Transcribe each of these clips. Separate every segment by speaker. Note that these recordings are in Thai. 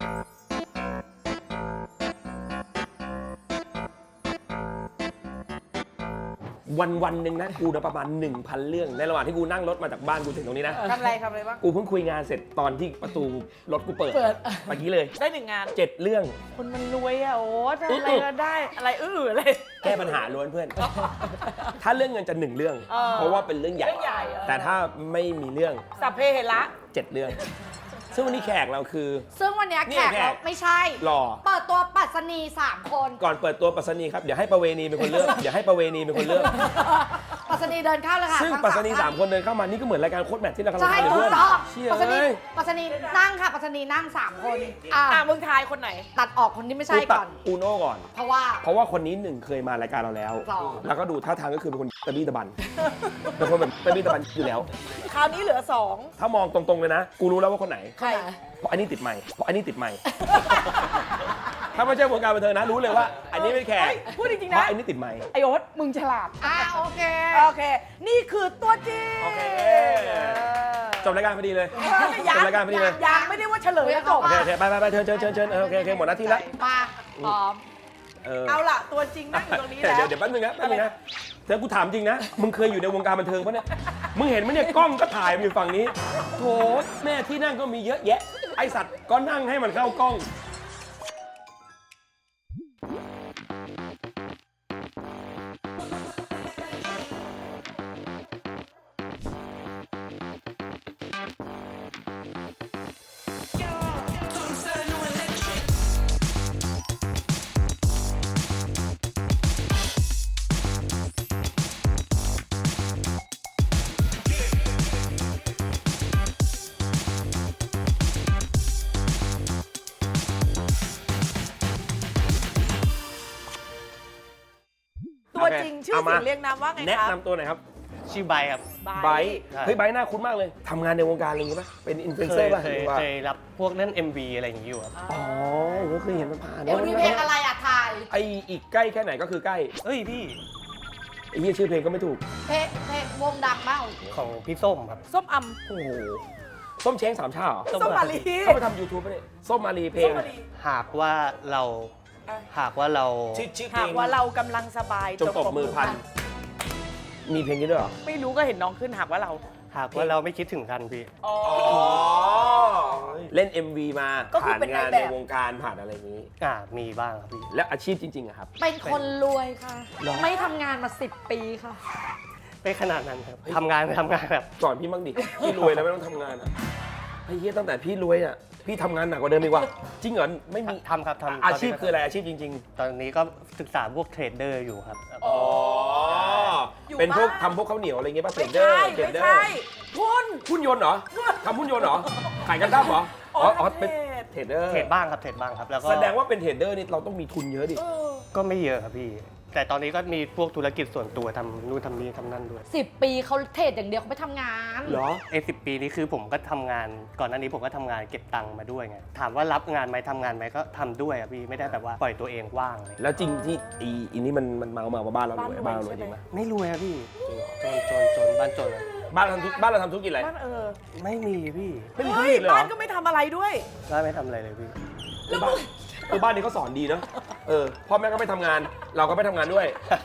Speaker 1: วันหนึ่งนะกูนะประมาณ 1,000 เรื่องในระหว่างที่กูนั่งรถมาจากบ้านกูถึงตรงนี้นะ
Speaker 2: ทำอะไรบ้าง
Speaker 1: กูเพิ่งคุยงานเสร็จตอนที่ประตูรถกูเปิดเมื่อกี้เลย
Speaker 2: ได้1 งาน
Speaker 1: 7 เรื่อง
Speaker 2: คนมันรวยอะโอ้ทำอะไรก็ได้อะไรอะไร
Speaker 1: แก้ปัญหาล้วนเพื่อน ถ้าเรื่องเงินจะ 1 เรื่อง เพราะว่าเป็นเรื่องใหญ่ แต่ถ้าไม่มีเรื่อง
Speaker 2: สัพเพเหระ
Speaker 1: 7 เรื่อง ซึ่งวันนี้แขกเราคือ
Speaker 3: ซึ่งวันนี้แขกเราไม่ใช่
Speaker 1: หล่อ
Speaker 3: เปิดตัวปัสนี3 คน
Speaker 1: ก่อนเปิดตัวปัสนีครับเดี๋ยวให้ประเวณีเป็นคนเลือกเดี๋ยวให้ประเวณีเป็นคนเลือก
Speaker 3: ปัสนีเดินเข้าเลยค่ะ
Speaker 1: ซึ่ง
Speaker 3: ทั้
Speaker 1: ปัสนี
Speaker 3: ท่
Speaker 1: 3 คนเดินเข้ามานี่ก็เหมือนรายการโค้ดแมทที่เรากำลัง
Speaker 3: ใช่
Speaker 1: ทำอยู่
Speaker 3: ถู
Speaker 1: เพื่
Speaker 3: ก
Speaker 1: อน
Speaker 3: ต้อง
Speaker 1: เชี่ย
Speaker 3: ปัสนี
Speaker 1: เอ้ย
Speaker 3: ปัสนีนั่งค่ะปัสนีนั่ง3 คน
Speaker 2: มึงทายคนไหน
Speaker 3: ตัดออกคนที่ไม่ใช่
Speaker 1: กูตั
Speaker 3: ก่
Speaker 1: ด
Speaker 3: อน
Speaker 1: อูโน่ก่อน
Speaker 3: เพราะว่า
Speaker 1: คนนี้1เคยมารายการเราแล้ว
Speaker 3: สอง
Speaker 1: แล้วก็ดูท่าทางก็คือเป็นคนตะบี้ตะบัน เป็นคนแบบตะบี้ตะบันอยู่แล้ว
Speaker 2: คราวนี้เหลือ
Speaker 1: ถ้ามองตรงๆเลยนะ กูรู้แล้วว่าคนไหน
Speaker 2: 2ใคร
Speaker 1: เพราะอันนี้ติดไมค์ถ้าไม่ใช่วงการบันเทิงนะ รู้เลยว่า อันนี้ไม่แขก
Speaker 2: พูดจริงๆ
Speaker 1: เพราะ
Speaker 2: นะ
Speaker 1: อันนี้ติดไมค์
Speaker 2: ไอโอ๊ตมึงฉลาด
Speaker 3: โอเค
Speaker 2: โอเค นี่คือตัวจริง
Speaker 1: โอเค จบรายการพอดีเลย
Speaker 2: ยั
Speaker 1: จบรายการพอดีเลย
Speaker 2: ยังไม่ได้ว่าเฉลยแล้วจบ
Speaker 1: โอเคไปเชิญโอเคหมดหน้าที่แล้ว
Speaker 3: มาพร้อม
Speaker 2: เอาล่ะตัวจริงนั่งอยู่ตรงนี้แล้ว
Speaker 1: เดี๋ยวแป๊บนึงนะเธอกูถามจริงนะ มึงเคยอยู่ในวงการบันเทิงปะเนี่ย มึงเห็นไหมเนี่ยกล้องก็ถ่ายมันอยู่ฝั่งนี้ โถแม่ที่นั่งก็มีเยอะแยะ ไอสัตว์ก็นั่งให้มันเข้ากล้อง
Speaker 2: ตัวจริงชื่อเสียงเรียงนามว่าไง
Speaker 1: แนะครับ
Speaker 2: บ
Speaker 1: นำตัวหน่อยครับ
Speaker 4: ชื่อไบร์ทครับ
Speaker 1: ไบร์ทเฮ้ยไบร์ทหน้าคุ้นมากเลย ทำงานในวงการอะไรอย่างงี้ป่ะ เป็นอินฟลูเอนเซอร์ป่ะหรือว่า
Speaker 4: เคยรับพวกเล่น MV อะไรอย่างนี้อยู่ครับ
Speaker 1: อ๋อผมเคยเห็นมันผ่าน
Speaker 3: เดี๋ยวมีเพลงอะไรอ่ะถ่าย
Speaker 1: ไออีกใกล้แค่ไหนก็คือใกล้
Speaker 4: เฮ้ยพี่
Speaker 1: ไอ้เหี้ยชื่อเพลงก็ไม่ถูก
Speaker 3: เพลงวงดังมาก
Speaker 4: ของพี่ส้มครับ
Speaker 2: ส้มอ
Speaker 1: โอ้โห ส้มเช้งสามชาเหรอ
Speaker 2: ำส้มมาลี
Speaker 1: เขาไปทำ YouTube ป่ะเนี่ย ส้มมารีเพลง
Speaker 2: ส้มมาลี
Speaker 4: หากว่าเรา
Speaker 1: ชื่อเพล
Speaker 2: หาก
Speaker 1: ง
Speaker 2: ว่าเรากำลังสบาย
Speaker 1: จงตบมือพัน มีเพลงนี้ด้วยเหรอ
Speaker 2: ไม่รู้ก็เห็นน้องขึ้นหากว่าเรา
Speaker 4: หากว่าเราไม่คิดถึงกันพี่
Speaker 2: อ๋อ
Speaker 1: เล่น MV มา
Speaker 2: ก็คือ
Speaker 1: ผ่าน
Speaker 2: เป็น
Speaker 1: งาน
Speaker 2: นายแบบ
Speaker 1: ในวงการผ่านอะไรอย่างนี้
Speaker 4: มีบ้างครับพี่
Speaker 1: แล้วอาชีพจริงๆอะครับ
Speaker 3: เป็นคนรวยค่ะ
Speaker 1: เหรอ
Speaker 3: ไม่ทำงานมา10 ปีค่ะ
Speaker 4: ไม่ขนาดนั้นครับทำงานแบบ
Speaker 1: สอนพี่บ้างดิ พี่รวยแล้วไม่ต้องทำงานอะไอ้เหี้ยตั้งแต่พี่รวยอะพี่ทำงานหนักกว่าเดิมอีกว่ะจริงเหรอไม่มี
Speaker 4: ทำครับทำ
Speaker 1: อาชีพคืออะไรอาชีพจริง
Speaker 4: ตอนนี้ก็ศึกษาพวกเทรดเดอร์อยู่ครับ
Speaker 1: ๆ อ๋อ
Speaker 2: อยู่
Speaker 1: เป็นพวก
Speaker 2: บ้าน
Speaker 1: ทำพวกข้าวเหนียวอะไรเงี้ยป่ะเทร
Speaker 2: ไม่
Speaker 1: ดเดอ
Speaker 2: ใช่
Speaker 1: ร์เทรด
Speaker 2: ไม่
Speaker 1: เดอ
Speaker 2: ใช่
Speaker 1: ร์
Speaker 2: คุณ
Speaker 1: หุ้นยนต์เหรอทำหุ้นยนต์เหรอขายกันดั้มเหรอ เป็นเทรดเดอร์
Speaker 4: เทรดบ้างครับ แล้วก็
Speaker 1: แสดงว่าเป็นเทรดเดอร์นี่เราต้องมีทุนเยอะดิ
Speaker 4: ก็ไม่เยอะครับพี่ แต่ตอนนี้ก็มีพวกธุรกิจส่วนตัวทำนู่นทำนี่ทำนั่นด้วย
Speaker 3: 10 ปีเขาเทรดอย่างเดียวเขาไม่ทำงาน
Speaker 1: เหรอ
Speaker 4: 10 ปีนี้คือผมก็ทำงานก่อนหน้านี้ผมก็ทำงานเก็บตังค์มาด้วยไงถามว่ารับงานไหมทำงานไหมก็ทำด้วยอะพี่ไม่ได้แบบว่าปล่อยตัวเองว่างเลย
Speaker 1: แล้วจริงที่อีนี่มันเมาว่าบ้านเรารวยบ้านเรารวยจริงไหม
Speaker 4: ไม่รวยอะพี่จนบ้านจนอะ
Speaker 1: บ้านเราทำธุรกิจอะไร
Speaker 2: บ้าน
Speaker 4: ไม่มีพี่
Speaker 1: ไม่มีธุร
Speaker 2: เฮ้ย
Speaker 1: กิจเลยเหร
Speaker 2: บ้า
Speaker 1: อน
Speaker 2: ก็ไม่ทำอะไรด้วย
Speaker 4: ก็ไม่ทำอะไรเลยพี่
Speaker 1: บ้านนี้เขาสอนดีเนาะพ่อแม่ก็ไม่ทำงาน เราก็ไม่ทำงานด้วย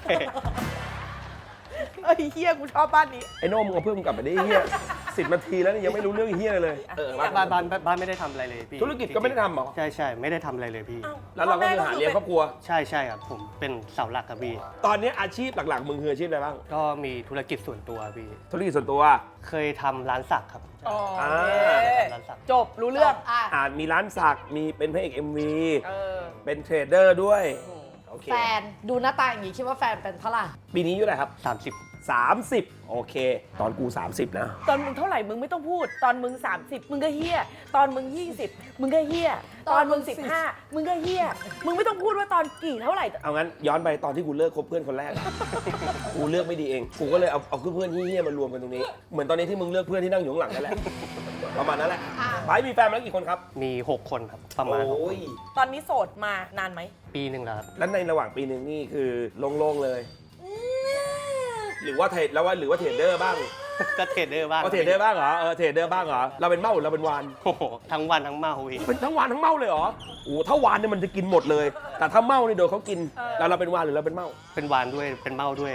Speaker 2: เอ้ยเฮียกูชอบบ้านนี้
Speaker 1: ไอ้โน่มึงเอาเพื่อนมึงกลับไปได้เฮีย10 นาทีแล้วนี่ยังไม่รู้เรื่องเฮียเลย
Speaker 4: บ้านไม่ได้ทำอะไรเลยพี่
Speaker 1: ธุรกิจก็ไม่ได้ทำเหรอ
Speaker 4: ใช่ไม่ได้ทำอะไรเลยพี่
Speaker 1: แล้วเราก็คือหาเลี้ยงครอบครัว
Speaker 4: ใช่ครับผมเป็นเสาหลักครับพี่
Speaker 1: ตอนนี้อาชีพหลักๆมึงคืออาชีพอะไรบ้าง
Speaker 4: ก็มีธุรกิจส่วนตัวพี่
Speaker 1: ธุรกิจส่วนตัว
Speaker 4: เคยทำร้านสักครับ
Speaker 2: อ๋อ
Speaker 4: ร้านสัก
Speaker 2: จบรู้เรื่อง
Speaker 1: มีร้านสักมีเป็นพระเอก MV
Speaker 2: เออ
Speaker 1: เป็นเทรดเดอร์ด้วยโอเค
Speaker 3: แฟนดูหน้าตาอย่างนี้คิดว่าแฟนเป็นเท่าไหร่
Speaker 1: ปีนี้อายู่ไหนครับ
Speaker 4: 30
Speaker 1: 30 โอเค ตอนกู 30 นะ
Speaker 2: ตอนมึงเท่าไหร่มึงไม่ต้องพูด ตอนมึง 30 มึงก็เฮี้ย ตอนมึง 20 มึงก็เฮี้ย ตอนมึง 15 มึงก็เฮี้ย มึงไม่ต้องพูดว่าตอนกี่เท่าไหร่
Speaker 1: เอางั้นย้อนไปตอนที่กูเลิกคบเพื่อนคนแรก กูเลือกไม่ดีเอง กูก็เลยเอาเพื่อนเฮี้ยๆมารวมกันตรงนี้ เหมือนตอนนี้ที่มึงเลือกเพื่อนที่นั่งอยู่ข้างหลังนั่นแหละ ประมาณนั้นแหละไปมีแฟนมาแล้วกี่คนครับ
Speaker 4: มี 6 คนครับประมาณ
Speaker 1: โอ้ย
Speaker 2: ตอนนี้โสดมานานไหม
Speaker 4: ปีหนึ่งแล้วครับ
Speaker 1: แล้วในระหว่างปีหนึ่งนี่คือโล่งๆเลย หรือว่าเทรดเดอร์บ้าง
Speaker 4: ก็เทรดเดอร์บ้าง
Speaker 1: เอาเทรดเดอร์บ้างเหรอเทรดเดอร์บ้างเหรอเราเป็นเมาหรือเราเป็นวาน
Speaker 4: โอ้โหทั้งวันทั้งเมาพี่
Speaker 1: เป็นทั้งวานทั้งเมาเลยเหรอโอ้ถ้าวานเนี่ยมันจะกินหมดเลย แต่ถ้าเมานี่โดนเขากินแล้วเราเป็นวานหรือเราเป็นเมา
Speaker 4: เป็นวานด้วยเป็นเมาด้วย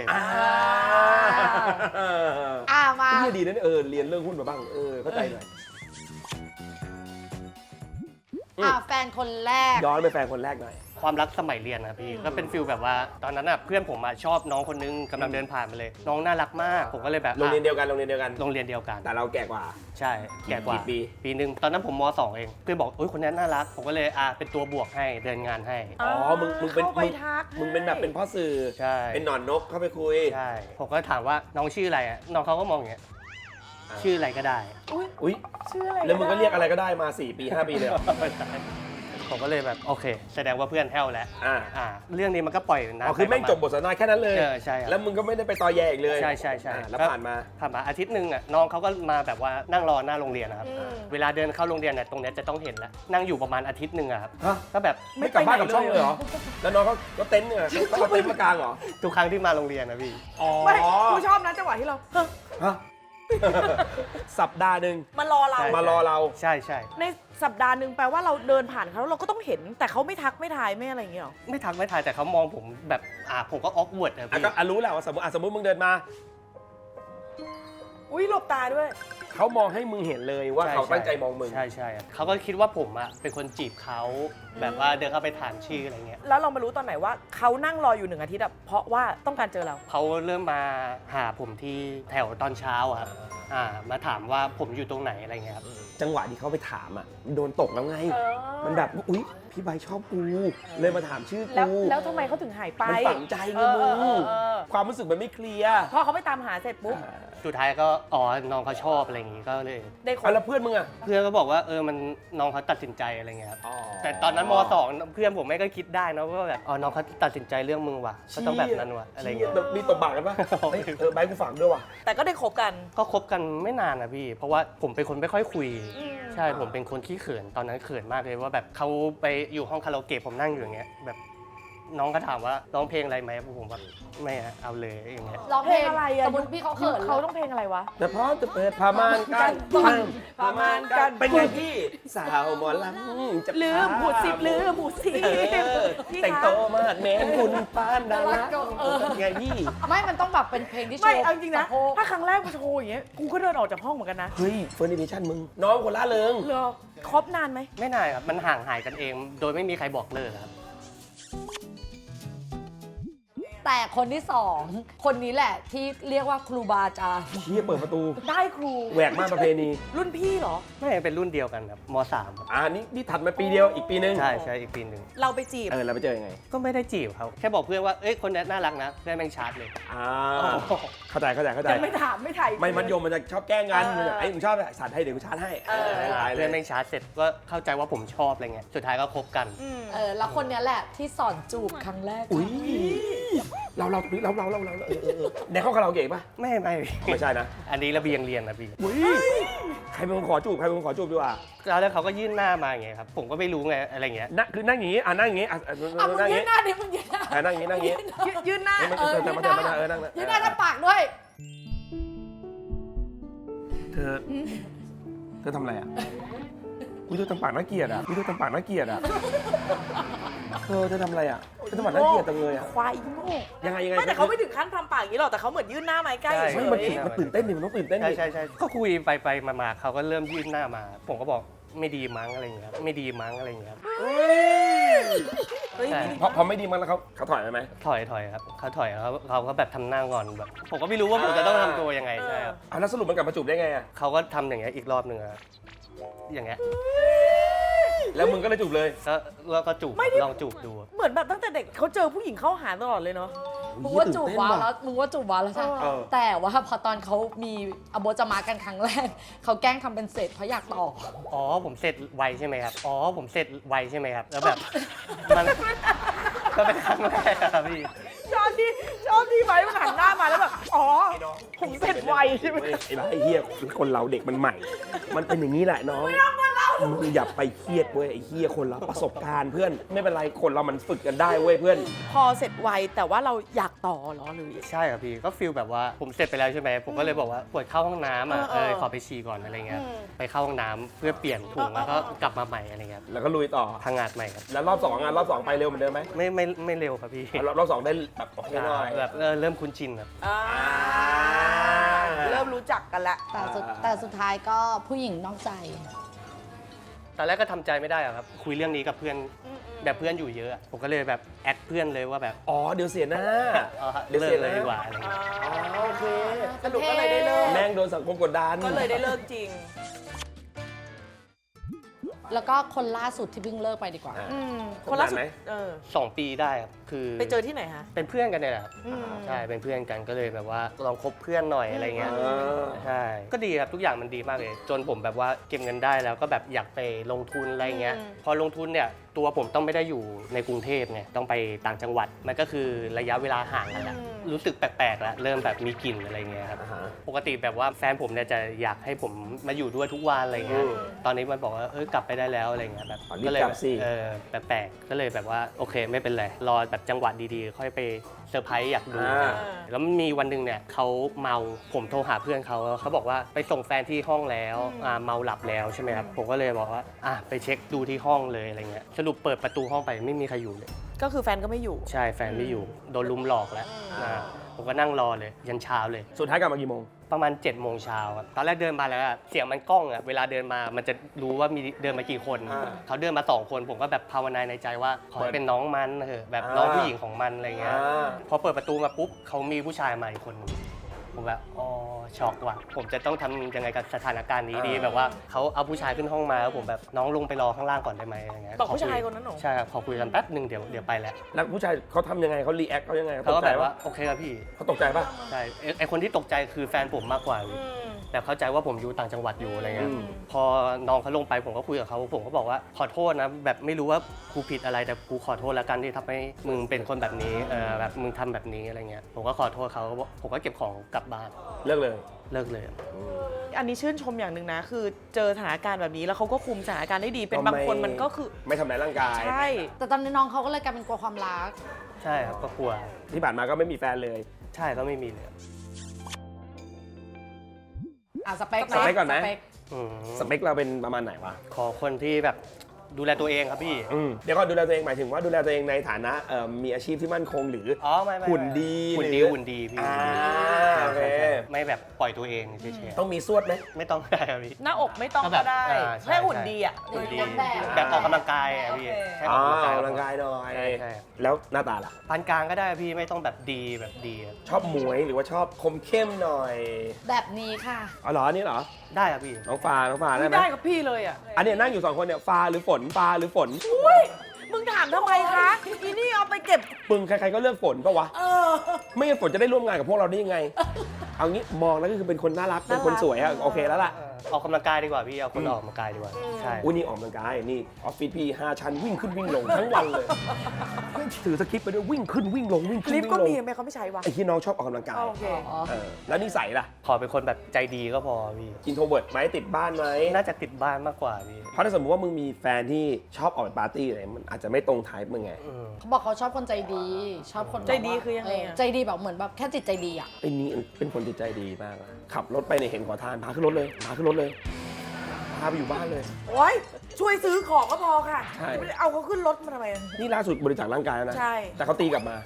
Speaker 3: มา
Speaker 1: นี่ดีนะเนี่ยเรียนเรื่องหุ้นมาบ้างเข้าใจหน่อย
Speaker 3: แฟนคนแรก
Speaker 1: ย้อนไปแฟนคนแรกหน่อย
Speaker 4: ความรักสมัยเรียนนะพี่ก็เป็นฟิลแบบว่าตอนนั้นเพื่อนผมชอบน้องคนนึงกำลังเดินผ่านมาเลย น้องน่ารักมากผมก็เลยแบบ
Speaker 1: โรงเรียนเดียวกัน
Speaker 4: โรงเรียนเดียวกัน
Speaker 1: แต่เราแก่กว่า
Speaker 4: ใช่แก่กว่า
Speaker 1: กี่ปี
Speaker 4: ปีหนึ่งตอนนั้นผมม .2 เองเพื่อนบอกคนนี้น่ารักผมก็เลยเป็นตัวบวกให้เดินงานให้
Speaker 1: มึงเป็น
Speaker 2: เข้าไปทัก
Speaker 1: มึงเป็นแบบเป็นพ่อสื่อ
Speaker 4: ใช่
Speaker 1: เป็นหนอนนกเข้าไปคุย
Speaker 4: ใช่ผมก็ถามว่าน้องชื่ออะไรน้องเขาก็มองอย่างเงี้ยชื่ออะไรก็ได้
Speaker 1: อุ้ย
Speaker 2: ชื่ออะไร
Speaker 1: แล้วมึงก็เรียกอะไรก็ได้มา4 ปี 5 ปีเลยเหรอ
Speaker 4: ผมก็เลยแบบโอเค แสดงว่าเพื่อนแห้วแล้ว เรื่องนี้มันก็ปล่อยนะ
Speaker 1: คือแม่งจบบทสนทนาแค่นั้นเลย
Speaker 4: ใช่ครับ
Speaker 1: แล้วมึงก็ไม่ได้ไปต่อแย่อีกเลย
Speaker 4: ใช่
Speaker 1: แล้วผ่านมา
Speaker 4: อาทิตย์หนึ่งน้องเขาก็มาแบบว่านั่งรอหน้าโรงเรียนนะครับเวลาเดินเข้าโรงเรียนเนี่ยตรงเนี้ยจะต้องเห็นแล้วนั่งอยู่ประมาณอาทิตย์หนึ่งอะครับ
Speaker 1: ฮะ
Speaker 4: ก็แบบ
Speaker 1: ไม่กลับบ้านกับช่องเลยเหรอ แล้วน้องก็เต็นท์เนี่ยเขาเอาเต็นท์มากางเหรอ
Speaker 4: ทุกครั้งที่มาโรงเรียนนะพี่
Speaker 1: อ๋อ
Speaker 2: ไม่กูชอบนะจังหวะที่เรา
Speaker 1: ฮะ สัปดาห์หนึ่ง
Speaker 2: มารอเรา
Speaker 4: ใช่
Speaker 1: มารอเรา
Speaker 4: ใช่
Speaker 2: ในสัปดาห์หนึ่งแปลว่าเราเดินผ่านเขาแล้วเราก็ต้องเห็น แต่เขาไม่ทักไม่ทายไม่อะไรอย่างเงี้ยหรอ
Speaker 4: ไม่ทักไม่ทายแต่เขามองผมแบบผมก็ออกเวิร์ดนะพี่
Speaker 1: ก็รู้แหละว่าสมมติมึงเดินมา
Speaker 2: อุ้ยหลบตาด้วย
Speaker 1: เขามองให้มึงเห็นเลยว่าเขาตั้งใจมองมึง
Speaker 4: ใช่เขาก็คิดว่าผมเป็นคนจีบเขาแบบว่าเดินเข้าไปถามชื่ออะไรเงี้ย
Speaker 2: แล้วเรามารู้ตอนไหนว่าเขานั่งรออยู่1 อาทิตย์อะเพราะว่าต้องการเจอเรา
Speaker 4: เขาเริ่มมาหาผมที่แถวตอนเช้าอะครับมาถามว่าผมอยู่ตรงไหนอะไรเงี้ยครับ
Speaker 1: จังหวะที่เขาไปถามอ่ะโดนตกแล้วไง มันแบบอุ๊ยพี่ใบชอบกูเลยมาถามชื่อ
Speaker 2: แล้ว
Speaker 1: กู
Speaker 2: แล้วทำไมเขาถึงหายไป
Speaker 1: มันฝังใจไงมึงความรู้สึกมันไม่เคลียร์
Speaker 2: พอเขาไปตามหาเสร็จปุ๊บ
Speaker 4: สุดท้ายก็น้องเขาชอบอะไรอย่างงี้ก็เลย
Speaker 2: ได้ค
Speaker 1: แล้วเพื่อนมึงอ่ะ
Speaker 4: เพื่อนก็บอกว่ามันน้องเขาตัดสินใจอะไรเงี้ยครับแต่ตอนนั้นม .2 เพื่อนผมไม่ก็คิดได้นะว่าแบบน้องเขาตัดสินใจเรื่องมึงว่ะก็ต้องแบบนั้นว่ะอะไรเงี้ย
Speaker 1: มีตบปากกันปะใบกูฝังด้วยว่ะ
Speaker 2: แต่ก็ได้คบกัน
Speaker 4: ก็คบกันไม่นานนะพี่ เพราะว่าผมเป็นคนไม่ค่อยคุย ใช่ผมเป็นคนขี้เขินตอนนั้นเขินมากเลยว่าแบบเขาไปอยู่ห้องคาราโอเกะผมนั่งอยู่อย่างเงี้ยแบบน้องก็ถามว่าร้องเพลงอะไรไหมผมแบบไม่เอาเลยอย่างเงี้ย
Speaker 3: ร้องเพลง
Speaker 2: เพลงอะไรอะ
Speaker 3: สมมติพี่เขาเขิน
Speaker 2: เขาต้องเพลงอะไรวะ
Speaker 1: แต่พอจะเปิดผ้าม่านกันผ้าม่านกันเป็นไงพี่สาวหมอลำจะ
Speaker 2: ลืมหมูสิบลืมหมูสิบพี่
Speaker 1: แต่ง
Speaker 2: คะ
Speaker 1: โตมากแมนคุณปานดาราไงพี่
Speaker 3: ไม่มันต้องแบบเป็นเพลงที่โช
Speaker 2: ไม่
Speaker 3: ว์
Speaker 2: เอาจริงๆนะ
Speaker 3: สโพก
Speaker 2: ถ้าครั้งแรกกูโชว์อย่างเงี้ยกูก็เดินออกจากห้องเหมือนกันนะ
Speaker 1: เฮ้ยเฟอร์นิเจชั่นมึงน้องคนละเริง
Speaker 2: เหรอคบนานไหม
Speaker 4: ไม่นานครับมันห่างหายกันเอง โดยไม่มีใครบอกเลิกครับ
Speaker 3: แต่คนที่ 2 คนนี้แหละที่เรียกว่าครูบาอาจารย์
Speaker 1: เฮียเปิดประตู
Speaker 2: ได้ครู
Speaker 1: แหวกม่านประเพณี
Speaker 2: รุ่นพี่เหรอ
Speaker 4: ไม่เป็นรุ่นเดียวกันครับม .3
Speaker 1: นี่ถัดมาปีเดียวอีกปีนึง
Speaker 4: ใช่อีกปีหนึ่ง
Speaker 2: เราไปจีบ
Speaker 1: เราไปเจอยังไง
Speaker 4: ก็ไม่ได้จีบเขาแค่บอกเพื่อนว่าคนนี้น่ารักนะเพื่อนแม่งชาร์จเลย
Speaker 1: เข้าใจ
Speaker 2: ยังไม่ถามไม่ถ่าย
Speaker 1: ไม่มัธยมมันจะชอบแกล้งกันไอ้มึงชอบสัตว์ให้เดี๋ยวกูชาร์จให้
Speaker 4: เพื่อนแม่งชาร์จเสร็จก็เข้าใจว่าผมชอบอะไรเงี้ยสุดท้ายก็คบกัน
Speaker 3: แล้วคนเนี้ยแหละที่สอนจูบครั้งแรก
Speaker 1: อุ้ยเราในห้องคาราโอเกะป่ะ
Speaker 4: ไม่
Speaker 1: ไม่ใช่นะ
Speaker 4: อันนี้ระเบียงเรียนนะพี่
Speaker 1: อุ้ยใครเป็นคนขอจูบดีกว่า
Speaker 4: แล้วเขาก็ยื่นหน้ามาอย่างเงี้ยครับผมก็ไม่รู้ไงอะไรเงี้ย
Speaker 1: คือนั่งอย่างงี้นั่งอย่างงี้
Speaker 3: มึงยืนหน้าดิมึงยืนหน้า
Speaker 1: นั่งอย่างงี้
Speaker 2: ยืนหน้า
Speaker 1: นั่งนั่ง
Speaker 3: ยืนหน้าทำปากด้วย
Speaker 1: เธอทำอะไรอ่ะกูดูทำปากน่าเกลียดอ่ะเธอทำอะไรอ่ะเธอทำปากน่าเกลียดจังเลยอ่ะ
Speaker 2: ควายอีโง่
Speaker 1: ยังไง
Speaker 2: ไม่แต่เขาไม่ถึงขั้นทำปากอย่างนี้หรอกแต่เขาเหมือนยื่นหน้ามาใกล้
Speaker 4: ใช่
Speaker 2: เฉ
Speaker 1: ไม่
Speaker 2: ย
Speaker 1: มันตื่นเต้นดิมันต้องตื่นเต้นดิ
Speaker 4: ใช่ก็คุยไปมาเขาก็เริ่มยื่นหน้ามา ผมก็บอกไม่ดีมั้งอะไรเงี้ยไม่ดีมั้งอะไรเงี้ย
Speaker 2: เฮ้ย
Speaker 4: ใช่
Speaker 1: พอไม่ดีมันแล้วเขาถอยไปไหม
Speaker 4: ถอยครับเขาถอยเขาก็แบบทำหน้างอนแบบผมก็ไม่รู้ว่าผมจะต้องทำตัวยังไงใช่ครับ
Speaker 1: แล้วสรุปมันกลับมาจูบได้ไงอ่ะ
Speaker 4: เขาก็ทำอย่างเงี้ยอีกรอบหนึ่งอะอย่างเงี้ย
Speaker 1: แล้วมึงก็เลยจูบเลย
Speaker 4: ก็จูบลองจูบดู
Speaker 2: เหมือนแบบตั้งแต่เด็กเขาเจอผู้หญิงเข้าหาตลอดเลยเนาะ
Speaker 3: มึงว่าจูบว้าวแล้วมึงว่าจูบว้าวแล้วใช่ไหม
Speaker 1: เออ
Speaker 3: แต่ว่าพอตอนเขามีอโบจมากันครั้งแรก เขาแกล้งทำเป็นเสร็จเพราะอยากต่อ
Speaker 4: อ๋อผมเสร็จไวใช่ไหมครับอ๋อผมเสร็จไวใช่ไหมครับแล้วแบบมันก็เป็นครั้งแรกครับพี่
Speaker 2: ชอบที่ไว้มันหันหน้ามาแล้วแบบอ๋อผมเสร็จไวใช่ไหม
Speaker 1: ไอ้บ้าไอ้เหี้ยคนเราเด็กมันใหม่ มันเป็นอย่างนี้แหละน้อง
Speaker 2: ไม่ต้องมาเล่า
Speaker 1: มึงอย่าไปเครียดเว้ยไอ้เหี้ยคนเราประสบการณ์เพื่อนไม่เป็นไรคนเรามันฝึกกันได้เว้ยเพื่อน
Speaker 2: พอเสร็จไวแต่ว่าเราอยากต่อเหรอหรือ
Speaker 4: ใช่ครับพี่ก็ฟีลแบบว่าผมเสร็จไปแล้วใช่ไหมผมก็เลยบอกว่าปวดเข้าห้องน้ำอ่ะขอไปฉี่ก่อนอะไรเงี้ยไปเข้าห้องน้ำเพื่อเปลี่ยนถุงแล้วก็กลับมาใหม่อะไรเงี้ย
Speaker 1: แล้วก็ลุยต่อ
Speaker 4: พังงาดใหม่ครับ
Speaker 1: แล้วรอบ2รอบ2ไปเร็วเหมือนเดิมไหม
Speaker 4: ไม่เร็วครับพี่
Speaker 1: รอบ2ได้แบบโอเคหน่อย
Speaker 4: แบบเริ่มคุ้นชินครับ
Speaker 2: เริ่มรู้จักกันแล้ว
Speaker 3: แต่สุดท้ายก็ผู้หญิงนอกใจ
Speaker 4: ตอนแรกก็ทำใจไม่ได้อะครับคุยเรื่องนี้กับเพื่อนแบบเพื่อนอยู่เยอะอะผมก็เลยแบบแอดเพื่อนเลยว่าแบบ
Speaker 1: อ๋อเดี๋ยวเสียหน้า
Speaker 4: เลิกเลยดีกว่าอะไรเงี้ย
Speaker 1: โอเค
Speaker 2: สรุปก็เลยได้เลิก
Speaker 1: แม่งโดนสังคมกดดัน
Speaker 2: ก็เลยได้เลิกจริง
Speaker 3: แล้วก็คนล่าสุดที่เพิ่งเลิกไปดีกว่า
Speaker 2: คนล่าสุด
Speaker 1: ไหม
Speaker 4: 2 ปีได้ครับคือ
Speaker 2: ไปเจอที่ไหนคะ
Speaker 4: เป็นเพื่อนกันเนี่ยแหละครับใช่เป็นเพื่อนกันก็เลยแบบว่าลองคบเพื่อนหน่อยอะไรเงี้ย ใช่ ก็ดีครับทุกอย่างมันดีมากเลย จนผมแบบว่าเก็บเงินได้แล้วก็แบบอยากไปลงทุนอะไรเงี้ย พอลงทุนเนี่ยตัวผมต้องไม่ได้อยู่ในกรุงเทพไงต้องไปต่างจังหวัด มันก็คือระยะเวลาห่างกันแหละรู้สึกแปลกๆแล้วเริ่มแบบมีกลิ่นอะไรเงี้ยครับ ปกติแบบว่าแฟนผมเนี่ยจะอยากให้ผมมาอยู่ด้วยทุกวันอะไรเงี้ย ตอนนี้มันบอกว่ากลับไปได้แล้วอะไรเงี้ยแบบ
Speaker 1: รีบ
Speaker 4: ก็เลย
Speaker 1: กลับสิ
Speaker 4: แปลกๆก็เลยแบบว่าโอเคไม่เป็นไรรอแบบจังหวะดีๆ ค่อยไปเซอร์ไพรส์อยากดู แล้วมันมีวันหนึ่งเนี่ยเขาเมาผมโทรหาเพื่อนเขาบอกว่าไปส่งแฟนที่ห้องแล้วเมาหลับแล้วใช่ไหมครับผมก็เลยบอกว่าไปเช็คดูที่ห้องเลยอะไรเงี้ยสรุปเปิดประตูห้องไปไม่มีใครอยู่เลย
Speaker 2: ก็คือแฟนก็ไม่อยู่
Speaker 4: ใช่แฟนไม่อยู่โดนลุมหลอกแล้วผมก็นั่งรอเลยยันเช้าเลย
Speaker 1: สุดท้ายกลับมากี่โมง
Speaker 4: ประมาณ7 โมงเช้าครับตอนแรกเดินมาแล้วอะเสียงมันก้องอะเวลาเดินมามันจะรู้ว่ามีเดินมากี่คน เขาเดินมา2 คนผมก็แบบภาวนาในใจว่าขอให้เป็นน้องมันเถอะแบบน้องผู้หญิงของมันอะไรเงี้ยพอเปิดประตูมาปุ๊บเขามีผู้ชายมาอีกคนหนึ่งผมแบบอ๋อช็อกว่ะผมจะต้องทำยังไงกับสถานการณ์นี้ดีแบบว่าเขาเอาผู้ชายขึ้นห้องมาแล้วผมแบบน้องลงไปรอข้างล่างก่อนได้ไหมอะไรเงี้ย
Speaker 2: บอกผู้ชายคนนั้นเหรอ
Speaker 4: ใช่ครับขอคุยกันแป๊บหนึ่งเดี๋ยวไปแล้ว
Speaker 1: แล้วผู้ชายเขาทำยังไงเขารีแอคเขายังไง
Speaker 4: เขา
Speaker 1: ต
Speaker 4: ก็
Speaker 1: กใจ
Speaker 4: แบบว่า
Speaker 1: ปะ
Speaker 4: โอเคครับพี่
Speaker 1: เขาตกใจปะ
Speaker 4: ใช่ไอคนที่ตกใจคือแฟนผมมากกว่าแต่เข้าใจว่าผมอยู่ต่างจังหวัดอยู่อะไรเงี้ยพอน้องเขาลงไปผมก็คุยกับเขาผมก็บอกว่าขอโทษนะแบบไม่รู้ว่ากูผิดอะไรแต่กูขอโทษแล้วกันที่ทำให้มึงเป็นคนแบบนี้แบบมึงทำแบบนี้อะไรเงี้ยผมก็ขอโทษเขาผมก็เก็บของกลับบ้าน
Speaker 1: เลิกเลย
Speaker 4: เลิกเลย
Speaker 2: อันนี้ชื่นชมอย่างหนึ่งนะ คือเจอสถานการณ์แบบนี้แล้วเขาก็คุมสถานการณ์ได้ดี เป็นบางคนมันก็คือ
Speaker 1: ไม่ทำร้ายร่างกาย
Speaker 2: ใช่
Speaker 3: แต่ตอนนี้น้องเขาก็เลยกลายเป็นกลัวความรัก
Speaker 4: ใช่ครับก็กลัว
Speaker 1: ที่ผ่านมาก็ไม่มีแฟนเลย
Speaker 4: ใช่ก็ไม่มีเลย
Speaker 3: สเปค
Speaker 1: สเปคก่อนไหม
Speaker 3: สเปค
Speaker 1: สเปคเราเป็นประมาณไหนวะ
Speaker 4: ขอคนที่แบบดูแลตัวเองครับพี่
Speaker 1: เดี๋ยวก่อนดูแลตัวเองหมายถึงว่าดูแลตัวเองในฐานะมีอาชีพที่มั่นคงหรือ
Speaker 4: อ๋อไม่
Speaker 1: หุ่นดี
Speaker 4: หุ่นดี
Speaker 1: หรือ
Speaker 4: หุ่นดีพี่
Speaker 1: โอเค
Speaker 4: ไม่แบบปล่อยตัวเองเฉย
Speaker 1: ต้องมีสวดไหม
Speaker 4: ๆไม่ต้องได้ครับพี่
Speaker 2: หน้าอกไม่ต้อง
Speaker 4: ก็แบ
Speaker 2: ก็
Speaker 4: บ
Speaker 2: ได้
Speaker 4: ใช่
Speaker 2: แค่หุ่นดีอ่ะ
Speaker 4: หุ่นดี
Speaker 3: แบบ
Speaker 4: แบบออกกำลังกายอะพี่
Speaker 2: โอเค
Speaker 4: แค่ออกกำลังกาย
Speaker 1: กำลังกายหน่อย
Speaker 4: ใช่
Speaker 1: แล้วหน้าตาล่ะ
Speaker 4: ปานกลางก็ได้พี่ไม่ต้องแบบดีแบบดีอะ
Speaker 1: ชอบหมวยหรือว่าชอบคมเข้มหน่อย
Speaker 3: แบบนี้ค่ะ
Speaker 1: อ๋อเหรออันนี่เหรอ
Speaker 4: ได้ครับพี่
Speaker 1: น้องฟ้าได้ไหม
Speaker 2: ได้กับพี่เลยอ่ะ
Speaker 1: อันเนี้ยนั่งอยู่2 คนเนี่ยฟ้าหรือฝนฟ้าหรือฝน
Speaker 2: อุ้ยมึงถามทำไมคะอีนี่เอาไปเก็บ
Speaker 1: ปึงใครๆก็เลือกฝนปะวะ ไม่งั้นฝนจะได้ร่วมงานกับพวกเราได้ยังไง เอางี้มองแล้วก็คือเป็นคนน่ารักเป็นคนสวยอะโอเคแล้วล่ะ
Speaker 4: ออกกำลังกายดีกว่าพี่เอาคนออกกำลังกายดีกว่าใช่
Speaker 1: อุ้ยนี่ออกกำลังกายนี่ออฟฟิศพี่5 ชั้นวิ่งขึ้นวิ่งลงทั้งวันเลยถือสคริปต์ไปด้วยวิ่งขึ้นวิ่งลงวิ่งขึ้น
Speaker 2: ลิฟ
Speaker 1: วิ่
Speaker 2: ต์
Speaker 1: ง
Speaker 2: ก็
Speaker 1: ลง
Speaker 2: มีทำไมเขาไม่ใช้วะ
Speaker 1: ไอ้ที่น้องชอบออกกำลังกาย
Speaker 2: โอเค
Speaker 1: แล้วนิสัยล่ะ
Speaker 4: ขอเป็นคนแบบใจดีก็พอพี่
Speaker 1: อินโทรเวิร์ดไหมติดบ้านไหม
Speaker 4: น่าจะติดบ้านมากกว่าพี่
Speaker 1: เพราะถ้าสมมติว่ามึงมีแฟนที่ชอบออกไปปาร์ตี้อะไรมันอาจจะไม่ตรงไทป์มึงไง
Speaker 3: เขาบอกเขาชอบคนใจดี ชอบคนแบบ
Speaker 2: ใจดี
Speaker 3: ว่า
Speaker 2: คือยังไงอะ
Speaker 3: ใจดีแบบเหมือนแบบแค่จิตใจดีอ่ะ
Speaker 1: ไอ้นี่เป็นคนจิตใจดีมากอะขับรถไปเนี่ยเห็นขอทานพาขึ้นรถเลยพาขึ้นรถเลยพาไปอยู่บ้านเลย
Speaker 2: โอ๊ยช่วยซื้อของก็พอค่ะ
Speaker 1: ใช่
Speaker 2: ไม่ได้เอาเขาขึ้นรถมาทำไม
Speaker 1: นี่ล่าสุดบริจาคร่างกายแล้วนะ
Speaker 2: ใช่
Speaker 1: แต่เขาตีกลับมา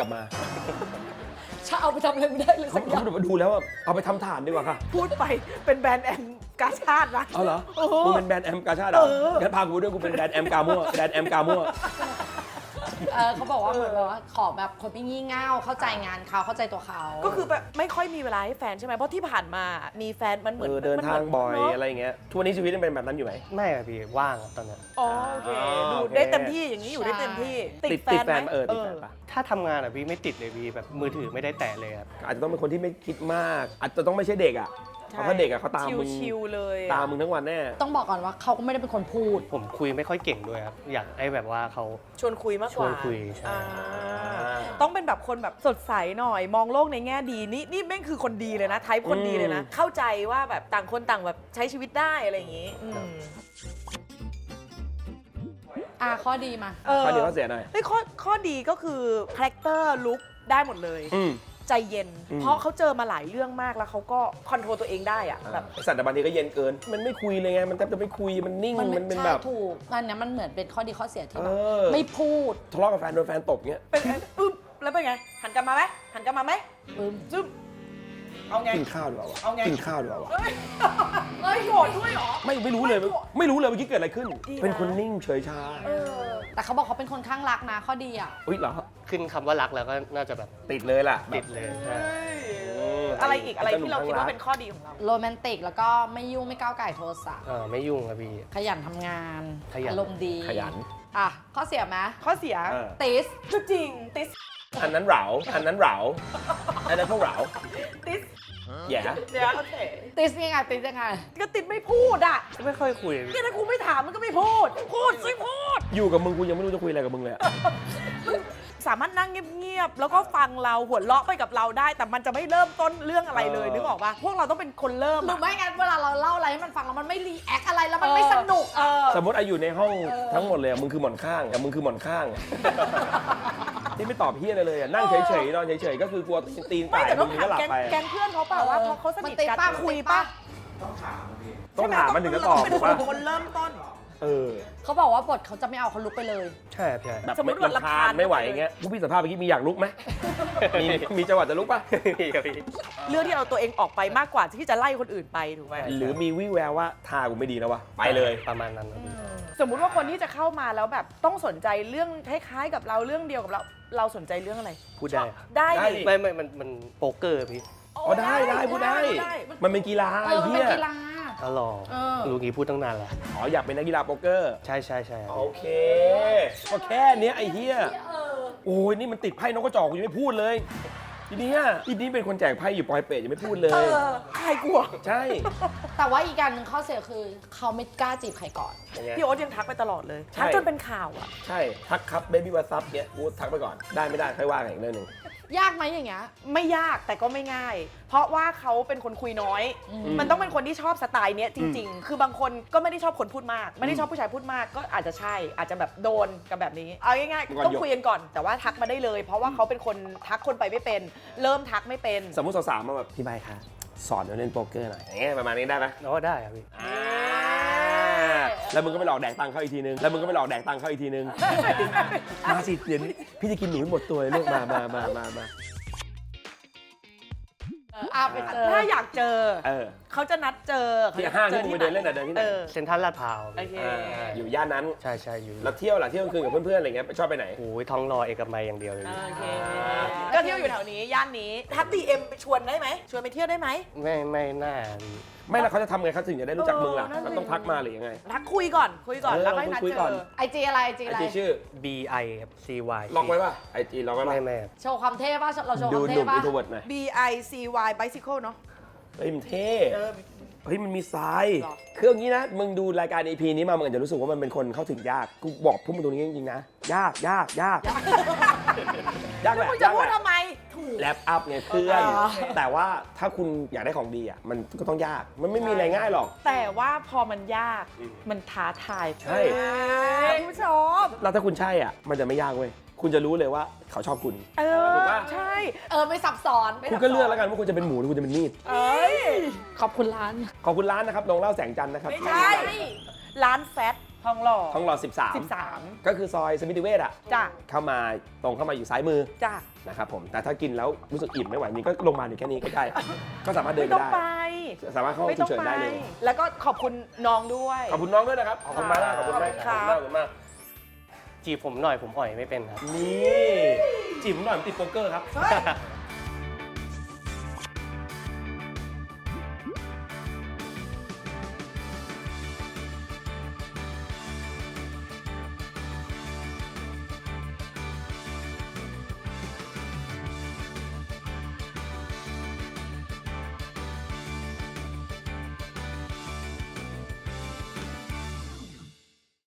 Speaker 3: ถ้าเอาไปทำอะไรไม่ได้เลย
Speaker 1: เขา
Speaker 3: สักอย่าง
Speaker 1: ดูแล้วว่าเอาไปทำฐานดีกว่าค่ะ
Speaker 2: พูดไปเป็นแบรนด์แอมกาชาดนะ
Speaker 1: เอาเหรอ
Speaker 2: โอ้โห
Speaker 1: มึงเป็นแบรนด์แอมกาชาดเหรองั้นพากูด้วยกูเป็นแบรนด์แอมกามั่วแบรนด์แอมกามั่ว
Speaker 3: เขาบอกว่าเหมือนแบบว่าขอแบบคนไม่งี่เง่าเข้าใจงานเขาเข้าใจตัวเขา
Speaker 2: ก็คือแบบไม่ค่อยมีเวลาให้แฟนใช่ไหมเพราะที่ผ่านมามีแฟนมันเหมือน
Speaker 1: เดินทางบ่อย
Speaker 2: มันเหมืน
Speaker 1: อะไรอย่างเงี้ยทุกวันนี้ชีวิตยังเป็นแบบนั้นอยู่ไหม
Speaker 4: ไม่ครับพี่ว่างครับตอนเนี้ย
Speaker 2: อ๋อโอเค ดู
Speaker 1: โอเค
Speaker 2: ได้เต็มที่อย่างนี้อยู่ได้เต็มที่
Speaker 1: ติดแฟน
Speaker 2: ไหม
Speaker 1: ติดแฟนปะ
Speaker 4: ถ้าทำงานอะพี่ไม่ติดเลยพี่แบบมือถือไม่ได้แตะเลยครับ
Speaker 1: อาจจะต้องเป็นคนที่ไม่คิดมาก อาจจะต้องไม่ใช่เด็กอ่ะเพราะถ้าเด็กอ่ะเขาตามมึง
Speaker 2: ชิวๆเลย
Speaker 1: ตามมึงทั้งวันแน่
Speaker 3: ต้องบอกก่อนว่าเขาก็ไม่ได้เป็นคนพูด
Speaker 4: ผมคุยไม่ค่อยเก่งด้วยครับอยากให้แบบว่าเขา
Speaker 2: ชวนคุยมากกว่า
Speaker 4: ชวนคุยใช่
Speaker 2: อ่าต้องเป็นแบบคนแบบสดใสหน่อย มองโลกในแง่ดีนี่แม่งคือคนดีเลยนะไทป์คนดีเลยนะ เข้าใจว่าแบบต่างคนต่างแบบใช้ชีวิตได้อะไรอย่างนี้
Speaker 3: ข้อดีมา
Speaker 1: ข้อดีข้อเสียหน่อย
Speaker 2: เฮ้ยข้อดีก็คือคาแรคเตอร์ลุคได้หมดเลย ใจเย็น เพราะเขาเจอมาหลายเรื่องมากแล้วเขาก็คอนโทรลตัวเองได้อะแบบ
Speaker 1: ไอ้สัตว์แต่บางทีก็เย็นเกิน มันไม่คุยเลยไง มันแทบจะไม่คุย มันนิ่ง มันเป็นแบบ
Speaker 3: ใช่ถูกอันเนี้ยมันเหมือนเป็นข้อดีข้อเสียที่แบบ
Speaker 1: เออ
Speaker 3: ไม่พูด
Speaker 1: ทะเลาะกับแฟนโดนแฟนตบเงี้ย
Speaker 2: เป็นไงอึ๊บแล้วเป็นไง หันกลับมาไหมหันกลับมาไหม
Speaker 3: ปึ้ม
Speaker 2: ซึบเอาไง
Speaker 1: กินข้าวดีกว่าวะ
Speaker 2: เอาไง
Speaker 1: กินข้าวดีกว่าวะ
Speaker 2: เฮ้ยเฮ้ยโกรธด้วยเหรอ
Speaker 1: ไม่รู้เลย ไม่รู้เลยเมื่อกี้เกิดอะไรขึ้น
Speaker 2: ดีนะ
Speaker 1: เป็นคนนิ่งเฉยชา
Speaker 3: แต่เขาบอกเขาเป็นคนข้างรักนะข้อดีอ่ะ
Speaker 1: อุ้ยเหรอ
Speaker 4: ขึ้นคำว่ารักแล้วก็น่าจะแบบ
Speaker 1: ติดเลยล่ะ
Speaker 4: ติดเลยใช่
Speaker 2: อะไรอีกอะไรที่เราคิดว่าเป็นข้อดีของเรา
Speaker 3: โรแมนติกแล้วก็ไม่ยุ่งไม่ก้าวไก่โทรศัพท์
Speaker 4: ไม่ยุ่งครับพี่
Speaker 3: ขยันทำงาน
Speaker 4: ขยัน
Speaker 3: อารมณ์ดี
Speaker 1: ขยัน
Speaker 3: อ่ะข้อเสียไหม
Speaker 2: ข้อเสีย
Speaker 1: เออ
Speaker 3: ติส
Speaker 2: ก็จริงติส
Speaker 1: อันนั้นเหราอันนั้นเหราอันนั้นพวกเหรา
Speaker 2: ติส
Speaker 1: แย่
Speaker 2: เดี๋ยวโอเค
Speaker 3: ติสยังไงติสยังไง
Speaker 2: ก็ติดไม่พูดอ่ะ
Speaker 4: ไม่ค่อยคุย
Speaker 2: เนี่ยถ้ากูไม่ถามมันก็ไม่พูด พูดสิพูด
Speaker 1: อยู่กับมึงกูยังไม่รู้จะคุยอะไรกับมึงเลยอะ
Speaker 2: สามารถนั่งเงียบๆ แล้วก็ฟังเราหัวเราะไปกับเราได้ แต่มันจะไม่เริ่มต้นเรื่องอะไรเลยนึกออกปะพวกเราต้องเป็นคนเริ่ม
Speaker 3: หรือ
Speaker 2: อะ
Speaker 3: ไม่งั้นเวลาเราเล่าอะไรให้มันฟังแล้วมันไม่รีแอคอะไรแล้วมันไม่สนุก
Speaker 1: สมมติอายุในห้องทั้งหมดเลยอะมึงคือหมอนข้างอะมึงคือหมอนข้างอะที่ไม่ตอบเฮียอะไรเลยอะนั่งเฉยๆนอนเฉยๆก็คือกลัวตีน
Speaker 2: ไม่
Speaker 1: ไก่
Speaker 2: แต่ต้
Speaker 1: มึ
Speaker 2: อง
Speaker 1: ง
Speaker 2: ถาม
Speaker 1: ก็หลับ
Speaker 2: แก๊ง
Speaker 1: ไป
Speaker 2: แก๊งเพื่อนเขาเปล่าว่าพอเขาสนิท
Speaker 3: มันติด
Speaker 2: กัน
Speaker 3: ปะ
Speaker 2: คุย
Speaker 3: ติด
Speaker 2: ปะ
Speaker 3: ปะ
Speaker 1: ต้องถามมันถึงจะตอบ
Speaker 2: เป็น
Speaker 1: ถูก
Speaker 2: ค
Speaker 1: ปะ
Speaker 2: นคนเริ่มต้น
Speaker 1: เออ
Speaker 3: เขาบอกว่าบทเขาจะไม่เอาเขาลุกไปเลย
Speaker 4: ใช่ครับใช่
Speaker 1: แบบ
Speaker 2: สมมุติว่า
Speaker 1: ลำคาญ
Speaker 2: รำคาญ
Speaker 1: ไม่ไหวอย่างเงี้ยผู้พี่สัมภาษณ์เมื่อกี้มีอยากลุกไหมมีจังหวะจะลุกปะ
Speaker 4: พี่ครับพี่
Speaker 2: เรื่องที่เอาตัวเองออกไปมากกว่าที่จะไล่คนอื่นไปถูกไหม
Speaker 1: หรือมีวิแววว่าท่ากูไม่ดีแล้ววะไปเลย
Speaker 4: ประมาณนั้นครับพี่
Speaker 2: สมมุติว่าคนที่จะเข้ามาแล้วแบบต้องสนใจเรื่องคล้ายๆกับเราเรื่องเดียวกับเราสนใจเรื่องอะไร
Speaker 4: พูดได้ครับ
Speaker 2: ได้
Speaker 1: ได้
Speaker 2: ดิ
Speaker 1: ดิ
Speaker 4: ไม่มันโป๊กเกอร์พี่
Speaker 1: อ๋อได้พูดได้ มันเป็นกีฬา
Speaker 3: เอ
Speaker 1: ไอ้
Speaker 3: อมัน
Speaker 1: เหี้
Speaker 3: เป็น
Speaker 1: ย
Speaker 3: กีฬา
Speaker 4: อ๋อหรอ
Speaker 3: เออ
Speaker 4: รู้งี้พูดตั้งนานแล้ว
Speaker 1: อ๋ออยากเป็นนักกีฬาโป๊กเกอร์
Speaker 4: ใช่ใช่ใช่ครับ
Speaker 1: โอเคก็แค่เนี้ยไอ้เหี้ยโอ้ยนี่มันติดไพ่นกกระจอกกูยังไม่พูดเลยทีเนี้ยทีนี้เป็นคนแจกไพ่อยู่ปอยเปรตยังไม่พูดเลย
Speaker 2: ใครกลัว
Speaker 1: ใช่
Speaker 3: แต่ว่าอีกการหนึ่งข้อเสียคือเขาไม่กล้าจีบใครก่อน
Speaker 1: ยังไง
Speaker 2: พี่โอ๊ตยังทักไปตลอดเลย
Speaker 1: ใช่
Speaker 2: ทักจนเป็นข่าวอ่ะ
Speaker 1: ใช่ทักครับเบบี้วาซับเนี้ยกูทักไปก่อนได้ไม่ได้ค่อยว่ากันอีกเรื่องหนึ่ง
Speaker 3: ยากไหมอย่างเงี้ย
Speaker 2: ไม่ยากแต่ก็ไม่ง่าย เพราะว่าเขาเป็นคนคุยน้อย มันต้องเป็นคนที่ชอบสไตล์เนี้ยจริง ๆ คือบางคนก็ไม่ได้ชอบคนพูดมาก ไม่ได้ชอบผู้ชายพูดมากก็อาจจะใช่ อาจจะแบบโดนกับแบบนี้ เอาง่ายๆต้องคุยกันก่อน แต่ว่าทักมาได้เลย เพราะว่าเขาเป็นคนทักคนไปไม่เป็น เริ่มทักไม่เป็น
Speaker 1: สมมติสาวๆมาแบบพี่ใบคะสอนเราเล่นโป๊กเกอร์หน่อยอย่างเงี้ยประมาณนี้ได้ไหม
Speaker 4: อ๋อได้ครับพี่
Speaker 1: แล้วมึงก็ไปหลอกแดกตังค์เขาอีกทีนึง แล้วมึงก็ไปหลอกแดกตังค์เขาอีกทีนึง มาสิเดี๋ยวนี้พี่จะกินหนูให้หมดตัวเลยลูกมา
Speaker 3: ไปเจอ
Speaker 2: ถ้าอยากเจอ
Speaker 1: เออ
Speaker 2: เขาจะนัดเจอ
Speaker 1: ที่ห้างที่มึงไปเดินเล่นอะเดินที่ไหน
Speaker 4: เซ็นทรัลลาดพร้าว
Speaker 2: โอเค
Speaker 1: อยู่ย่านนั้น
Speaker 4: ใช่ใช่อยู่
Speaker 1: แล้วเที่ยวล่ะเที่ยวกลางคืนกับเพื่อนๆอะไรเงี้ยชอบไปไหน
Speaker 4: โอ้ยท้องรอเอกมัยอย่างเดียวเลยพี่
Speaker 2: โอเค ก็เที่ยวอยู่แถวนี้ ย่านนี้ ทักดีเอ็มไปชวนได้ไหม ชวนไปเที่ยวได้ไหม
Speaker 4: ไม่น่าพี่
Speaker 1: ไม่แล้วเขาจะทำไงเขาถึงจะได้รู้จักมึงล่ะ
Speaker 2: นั่นสิ
Speaker 1: ก็ต้องทักมาหรือยังไง
Speaker 2: ทักคุยก่อน แล้วค่อยนัด
Speaker 1: คุย
Speaker 2: เจ
Speaker 1: ก่อน
Speaker 2: อ
Speaker 3: ไอจีอะไรไอจี
Speaker 1: ไอ
Speaker 3: อะไร
Speaker 1: จีชื่อ
Speaker 4: BI ครับ CY
Speaker 1: ล็อกไว้ป่ะไอจีล็อกไว้ป่ะ
Speaker 4: ไม่ครับ
Speaker 3: โชว์ความเท่ป่ะเราโชว์ค
Speaker 1: ดู
Speaker 3: วาม
Speaker 1: ห
Speaker 3: เท่
Speaker 1: นุ่ม
Speaker 3: ป่ะ
Speaker 1: อินโทรเวิร์ดหน่อย
Speaker 2: BICY bicycle เนาะ
Speaker 1: เฮ้ยมันเท่
Speaker 2: เออ
Speaker 1: เฮ้ยมันมีทราย
Speaker 2: หรอ
Speaker 1: คืออย่างนี้นะมึงดูรายการ EP นี้มามึงอาจจะรู้สึกว่ามันเป็นคนเข้าถึงยากกูบอกพวกมึงตรงนี้จริงๆนะยากยากแห
Speaker 2: แล้ว
Speaker 1: ละ
Speaker 2: มึงจะ
Speaker 1: ยาก
Speaker 2: พูด
Speaker 1: แหละ
Speaker 2: ทำไม ถูก
Speaker 1: แลปอัพไงเพื่อน
Speaker 2: อ๋อ
Speaker 1: แต่ว่าถ้าคุณอยากได้ของดีอ่ะมันก็ต้องยากมันไม่มีอะไรง่ายหรอก
Speaker 2: แต่ว่าพอมันยาก มันท้าทาย
Speaker 1: ใช่
Speaker 2: คุณผู้ชม
Speaker 1: แล้วถ้าคุณใช่อ่ะมันจะไม่ยากเว้ยคุณจะรู้เลยว่าเขาชอบคุณ
Speaker 2: เอ
Speaker 1: ถู
Speaker 2: อก
Speaker 1: ปะ
Speaker 2: ใช่
Speaker 3: ไม่ซับซ้อนไม่
Speaker 1: คุณก็เลือกแล้วกันว่าคุณจะเป็นหมูหรือคุณจะเป็นมีด
Speaker 2: เอ้ย
Speaker 3: ขอบคุณร้าน
Speaker 1: ขอบคุณร้านนะครับลงเล่าแสงจันทร์นะครับ
Speaker 2: ไม่ใช่ ร้านแฟตทองหล่อ
Speaker 1: ทองหล่อ
Speaker 2: 13
Speaker 1: ก็คือซอยสมิติเวชอ่ะ
Speaker 2: จ้ะ
Speaker 1: เข้ามาตรงเข้ามาอยู่ซ้ายมือ
Speaker 2: จ้ะ
Speaker 1: นะครับผมแต่ถ้ากินแล้วรู้สึกอิ่มไม่ไหวนี่ก็ลงมาลอยู่แค่นี้ก็ได้ก็สามารถเดิน
Speaker 2: ไม่
Speaker 1: ไป
Speaker 2: ต้อง
Speaker 1: ได้
Speaker 2: ไป
Speaker 1: สามารถเข้าห้อง
Speaker 2: ไม่
Speaker 1: ฉุ
Speaker 2: ต้อก ง
Speaker 1: เฉิน
Speaker 2: ไป
Speaker 1: ได้เลย
Speaker 2: แล้วก็ขอบคุณน้องด้วย
Speaker 1: ขอบคุณน้องด้วยนะครับ ขอบคุณมากนะขอบคุณมาก
Speaker 2: ครับ
Speaker 1: ขอบคุณมาก
Speaker 4: จีบผมหน่อยผมอ่อยไม่เป็นครับ
Speaker 1: นี่จีบผมหน่อยผมติดโป๊กเกอร์ครับ